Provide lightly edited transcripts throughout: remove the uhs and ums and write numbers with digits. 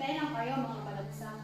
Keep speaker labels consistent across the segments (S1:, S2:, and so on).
S1: Kailan kayo mga balagsak?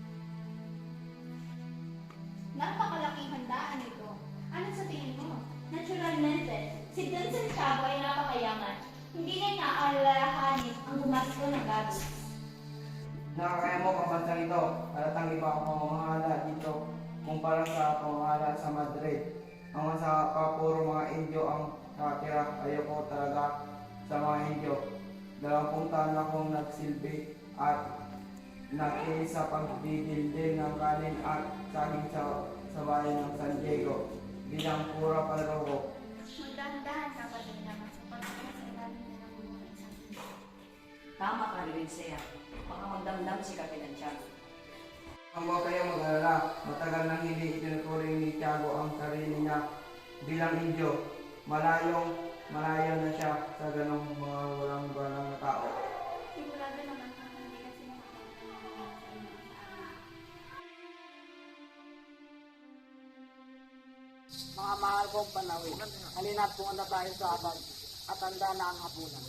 S2: Napakalaking handaan ito. Ano sa tingin mo? Naturalmente, si Don Santiago ay napakayaman. Hindi niya naaalalahanin ang gumasto ng gabi.
S3: Nakakaya mo kabansang ito, halatang iba ang pamamahala dito kumpara sa pamamahala sa Madrid. Ang sa puro mga Indio ang nakatira, ayoko talaga sa mga Indio. 20 taon akong nagsilbi at nakinis sa pagdidildil ng kanin at saging sa bayan ng San Diego bilang pura palaro.
S2: Magdahan-dahan ka pa din naman sa pagkakas sa ilalim na ng bumuhay sa akin.
S4: Tama ka rin siya. Baka magdamdam si Kapitan Tiago.
S3: Huwag kayo mag-alala, matagal nang hindi itinuturing ni Tiago ang sarili niya bilang Indio. Malayo na siya sa ganong mga walang galang na tao.
S2: Sigurado naman kung hindi kasi nakakatawa sa inyo sa akin.
S5: Mga mahal kong panawin, halina't pumunta tayo sa abad at handa na ang hapunan.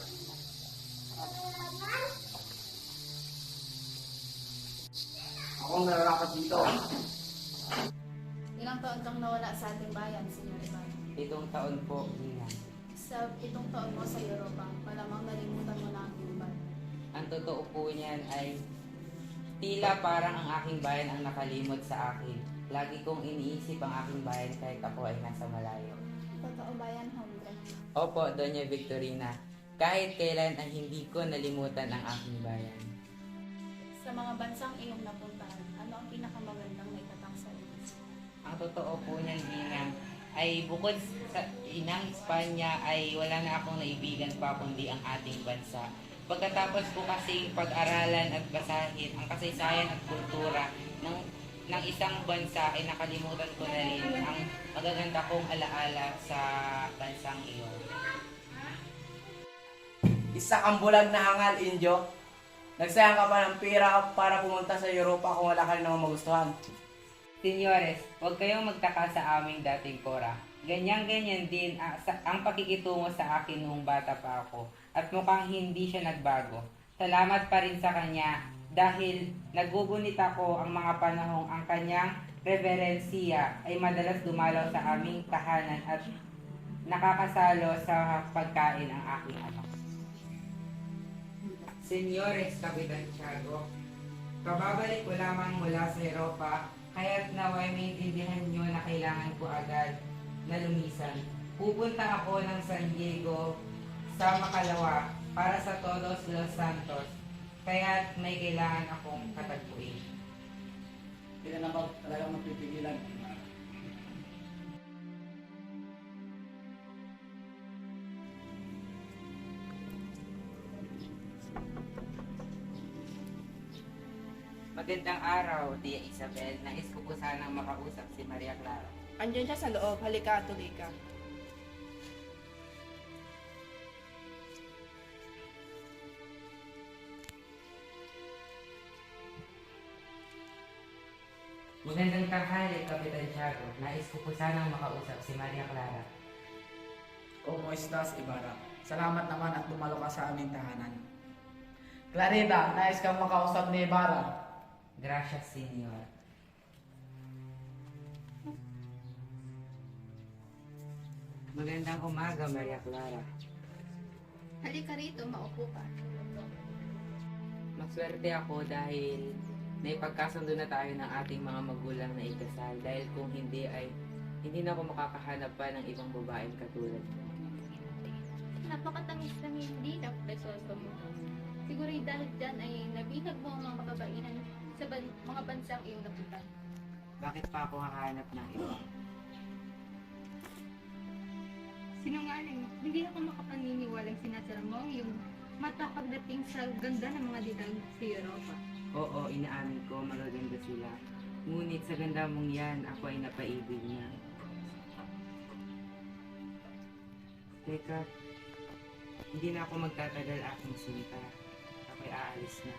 S3: Akong nararapat dito.
S1: Ilang taon kang nawala sa ating bayan, Senyor Ivan?
S6: 7 taon po, Ina.
S1: Sa 7 taon mo sa Europa, malamang nalimutan mo na ang iba.
S6: Ang totoo po niyan ay tila parang ang aking bayan ang nakalimot sa akin. Lagi kong iniisip ang aking bayan kahit ako ay nasa malayo.
S1: Totoo ba yan, Hombre?
S6: Opo, Doña Victorina. Kahit kailan ay hindi ko nalimutan ang aking bayan.
S1: Sa mga bansang iyong napuntahan, ano ang pinakamagandang naitatang sa iyo?
S6: Ang totoo po niyan, Ina, ay bukod sa inang Espanya ay wala na akong naibigan pa kundi ang ating bansa. Pagkatapos ko kasi pag-aralan at basahin ang kasaysayan at kultura ng isang bansa ay nakalimutan ko na rin ang magaganda kong alaala sa bansang iyon.
S5: Isa kang bulag na hangal, Indio. Nagsayang ka pa ng pera para pumunta sa Europa kung wala ka rin naman magustuhan.
S6: Senyores, huwag kayong magtaka sa aming dating kora. Ganyan-ganyan din ang pakikitungo sa akin noong bata pa ako at mukhang hindi siya nagbago. Salamat pa rin sa kanya dahil nagugunit ako ang mga panahong ang kanyang reverensiya ay madalas dumalaw sa aming tahanan at nakakasalo sa pagkain ang aking anak. Senyores, Kapitan Tiago, kababalik ko lamang mula sa Europa, kaya't naway maintindihan nyo na kailangan ko agad na lumisan. Pupunta ako ng San Diego sa Makalawa para sa Todos Los Santos, kaya't may kailangan akong katagpuin.
S5: Hindi ka naman talagang mapipigilan.
S6: Magandang araw, Tia Isabel. Nais ko po sanang makausap si Maria Clara.
S7: Andiyan siya sa loob. Halika, tuloy ka.
S6: Magandang tanghali, Kapitan Tiago. Nais ko po sanang makausap si Maria Clara.
S5: ¿Cómo estás, Ibarra? Salamat naman at dumalo ka sa aming tahanan. Clarita, nais kang makausap ni Ibarra.
S6: Gracias, Senyor. Magandang umaga, Maria Clara.
S1: Halika rito, maupo ka.
S6: Maswerte ako dahil naipagkasundo na tayo ng ating mga magulang na ikasal. Dahil kung hindi ay hindi na ako makakahanap pa ng ibang babaeng katulad mo.
S2: Napakatamis-tamis din ang presoso mo. Siguro dahil dyan ay nabihag mo ang mga kabainan sa mga bansang iyong napunta.
S6: Bakit pa ako hahanap ng iba?
S2: Sinungaling, hindi ako makapaniniwalang sinasara mo ang iyong mata pagdating sa ganda ng mga ditang sa Europa.
S6: Oo, inaamin ko, magaganda sila. Ngunit sa ganda mong yan, ako ay napaibig niya. Teka, hindi na ako magtatagal aking sinta. Ako'y aalis na.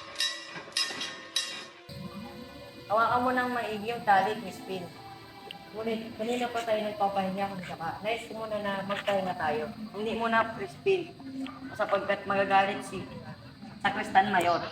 S4: Hawakan mo ng maigi yung tali, Miss Pin. Ngunit kanina pa tayo nagpapahinga kung saka. Nais ko muna na magpahinga tayo. Hindi muna, Crispin. Sapagkat magagalit si Sacristan Mayor.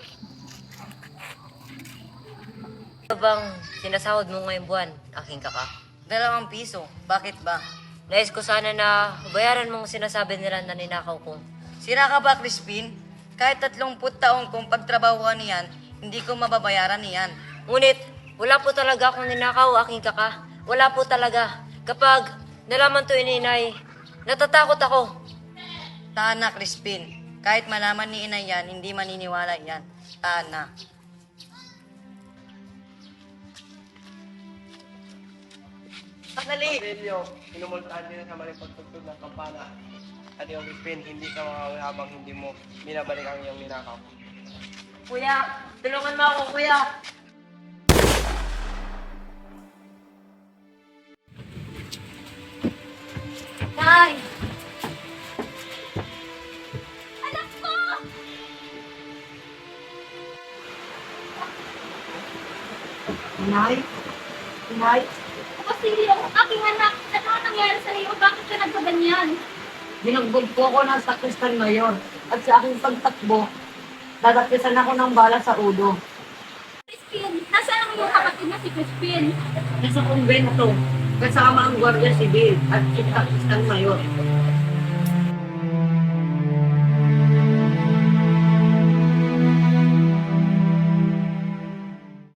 S8: Ano bang sinasahod mo ngayong buwan, aking kaka? 2 piso. Bakit ba? Nais ko sana na bayaran mong sinasabi nila na ninakaw ko. Sira ka ba, Crispin? Kahit 30 taong kong pagtrabahuan niyan, hindi ko mababayaran niyan. Ngunit, wala po talaga akong ninakaw, aking kaka. Wala po talaga. Kapag nalaman to ininay, natatakot ako. Tana, Crispin. Kahit malaman ni inay yan, hindi maniniwala yan. Tana. Sandali!
S3: Aurelio, minumultahan din sa mali pagtugtog ng kampana. At yung Crispin, hindi ka makawala habang hindi mo binabalik ang iyong ninakaw.
S8: Kuya, tulungan mo ako, kuya. Nay!
S2: Anak ko!
S4: Inay? Inay?
S2: Basilio, aking anak, ano ang nangyari sa iyo? Bakit ka nagkaganyan?
S4: Binugbog po ako ng Sacristan Mayor. At sa aking pagtakbo, dadapisan ako ng bala sa ulo.
S2: Crispin, nasaan ang iyong kapatid na si Crispin?
S4: Nasa kumbento, kasama ang Guardia Civil at si Sacristan Mayor.